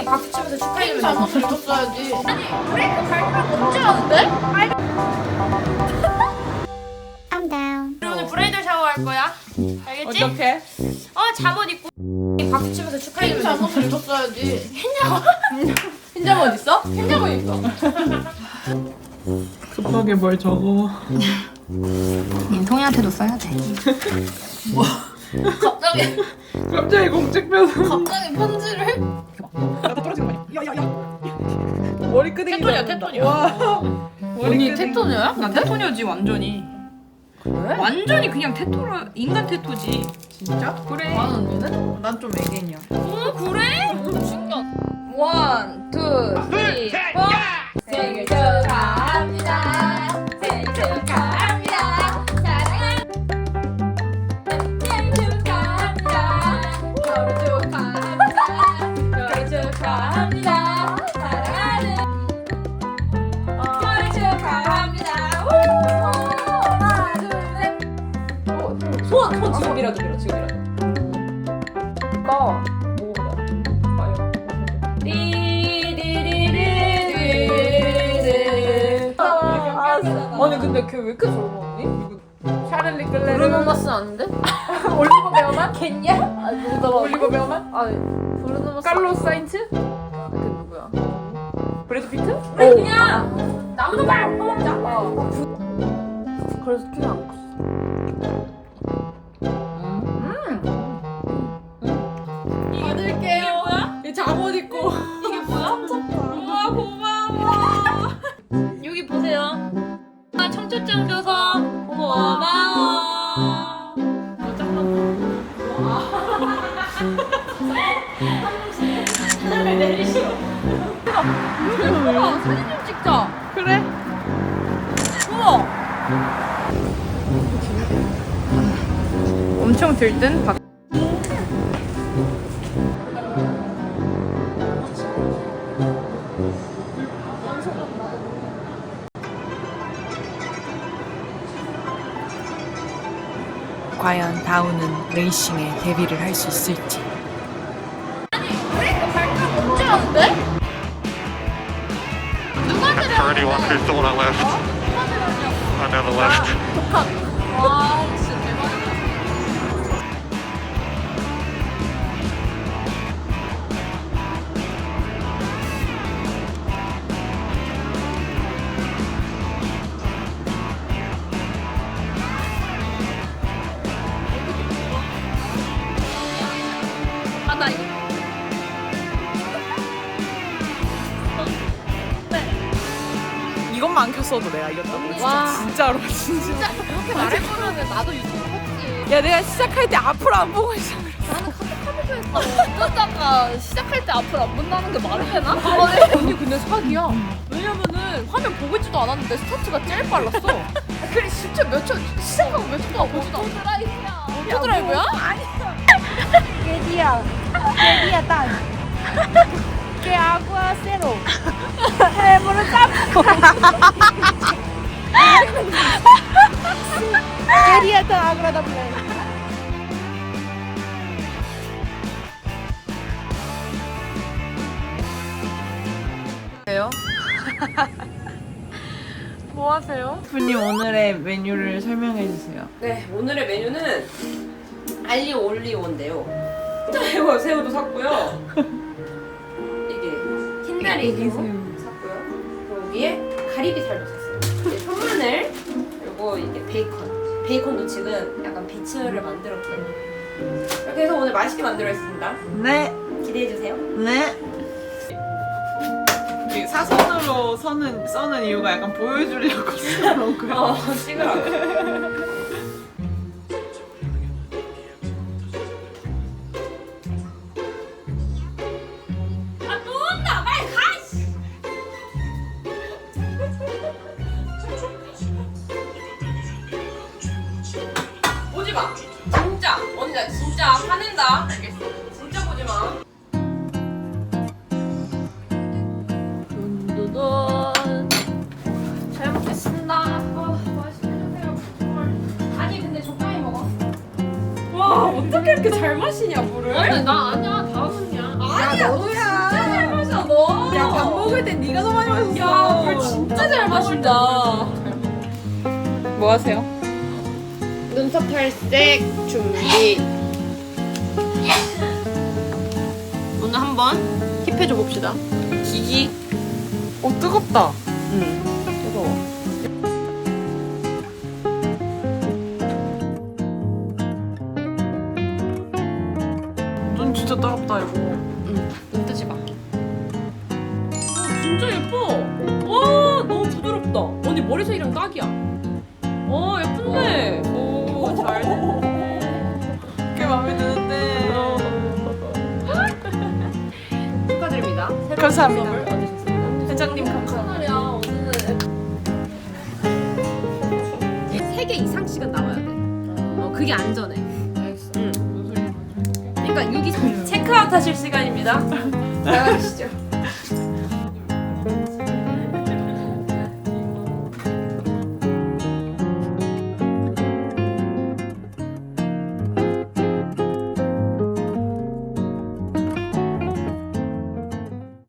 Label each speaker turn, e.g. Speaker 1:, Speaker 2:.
Speaker 1: 박수 치면서 축하해.
Speaker 2: 잘못 읽었어야지.
Speaker 1: 아니 브레이크 밟으면 언제 하는데?
Speaker 3: I'm down.
Speaker 1: 우리 오늘 브라이덜 샤워 할 거야. 알겠지?
Speaker 2: 어떻게?
Speaker 1: 잠옷 입고 박수 치면서 축하해.
Speaker 2: 잘못 읽었어야지. 흰자만 어딨어? 흰자만 있어.
Speaker 4: 급하게 뭘 적어.
Speaker 1: 민통이한테도 써야 돼.
Speaker 4: 갑자기 공책표서.
Speaker 2: 갑자기 편지를 해?
Speaker 4: 머리끄댕이.
Speaker 2: 테토니야, 테토니야.
Speaker 4: 와.
Speaker 2: 언니 테토녀야?
Speaker 5: 난 테토녀지 완전히.
Speaker 2: 그래?
Speaker 5: 완전히 그냥 테토로 인간 테토지.
Speaker 4: 진짜?
Speaker 5: 그래.
Speaker 2: 만 언니는?
Speaker 4: 난 좀 애견이야.
Speaker 5: 그래?
Speaker 2: 원, 투, 쓰리, 포. 생일 축하합니다. 생일 축하합니다. 사랑하는 생일 축하합니다. 결혼 축하합니다. 결혼 축하합니다. 사랑하는 결혼 축하합니다. 하나, 둘, 셋. 손 지금이라도 밀어, 지금이라도. 이거 먹어보자. 과연. 아니 근데 걔 왜 이렇게 젊었니? 샤를리 클레르 브루노 마스 아닌데? 올리버 베어만? 겠냐? 아 누구다 올리버 베어만? 아 브루노 마스 칼로스 사인츠? 걔 누구야? 브래드 피트? 그래 그냥 나무도 말 뽑자. 그래서 키가 안 컸어. 받을게요. 이게 뭐야? 이 잠옷 입고 이게 뭐야? 우와 고마워.
Speaker 1: 여기 보세요. 청첩장 줘서 고마워. 하나를 내리시오.
Speaker 2: 우와 사진 좀 찍자.
Speaker 4: 그래?
Speaker 2: 우와.
Speaker 5: 엄청 들뜬 박. 과연 다우는 레이싱에 데뷔를 할 수 있을지.
Speaker 1: 브레이크 밟으면 언제 하는데? 누가
Speaker 6: That's for anyone who's still on that list. I'm on the list.
Speaker 2: 와 진짜 대박이다.
Speaker 1: 나 이거
Speaker 4: 이것만 안 켰어도 내가 이겼다고.
Speaker 2: 와.
Speaker 4: 진짜로 진짜.
Speaker 2: 진짜 이렇게 말해보면 나도 유튜브 했지.
Speaker 4: 야 내가 시작할 때 앞으로 안 보고 있어.
Speaker 2: 어쩌다가 시작할 때 앞으로 안 본다는 게 말이 되나? 언니 근데 사기야. 왜냐면은 화면 보고 있지도 않았는데 스타트가 제일 빨랐어. 그래 진짜 몇 초 시작하고 몇 초도 안 보지도 않아. 오토드라이브야. 오토드라이브야?
Speaker 3: ¿Qué día? ¿Qué día tal? ¿Qué agua cero? ¿Qué día tan agradable?
Speaker 4: 뭐 하세요? 분님 오늘의 메뉴를 설명해 주세요.
Speaker 5: 네, 오늘의 메뉴는 알리오 올리오인데요. 새우, 새우도 샀고요. 이게 흰다리 새우 샀고요. 그리고 여기에 가리비살도 샀어요. 이게 손마늘 그리고 이게 베이컨. 베이컨도 지금 약간 배치를 만들었어요. 이렇게 해서 오늘 맛있게 만들었습니다.
Speaker 4: 네.
Speaker 5: 기대해 주세요.
Speaker 4: 네. 이 사선으로 써는 이유가 약간 보여주려고 써놓은 거야.
Speaker 5: 찍으라고. 보지 마. 진짜 언니 나 진짜 화낸다. 알겠어. 진짜 보지 마.
Speaker 2: 돈도돈. 잘 먹겠습니다. 맛있게 드세요.
Speaker 5: 아니 근데 적당히 먹어. 와 어떻게 이렇게 잘 마시냐 물을?
Speaker 2: 아니 나 아니야. 다은이야.
Speaker 5: 아니야 너야. 진짜 잘
Speaker 4: 안 먹을 땐 네가 더 많이 마셨어.
Speaker 5: 야, 물 진짜 잘 마신다.
Speaker 2: 뭐 하세요?
Speaker 5: 눈썹 탈색 준비. 오늘 한번 힙해줘 봅시다. 기기.
Speaker 4: 뜨겁다.
Speaker 5: 뜨거워.
Speaker 4: 눈 진짜 따갑다 이거.
Speaker 5: 눈 뜨지 마. 진짜 예뻐. 와, 너무 부드럽다. 언니 머리색이랑 딱이야. 예쁜데. 오, 잘.
Speaker 4: 꽤 마음에 드는데.
Speaker 5: 축하드립니다. 새로운
Speaker 4: 감사합니다.
Speaker 5: 눈썹을 얻으셨습니다.
Speaker 4: 회장님 감사합니다.
Speaker 5: 오늘은 3개 이상씩은 나와야 돼. 그게 안전해.
Speaker 2: 알겠어.
Speaker 5: 그러니까 여기 체크아웃 하실 시간입니다. 나가시죠.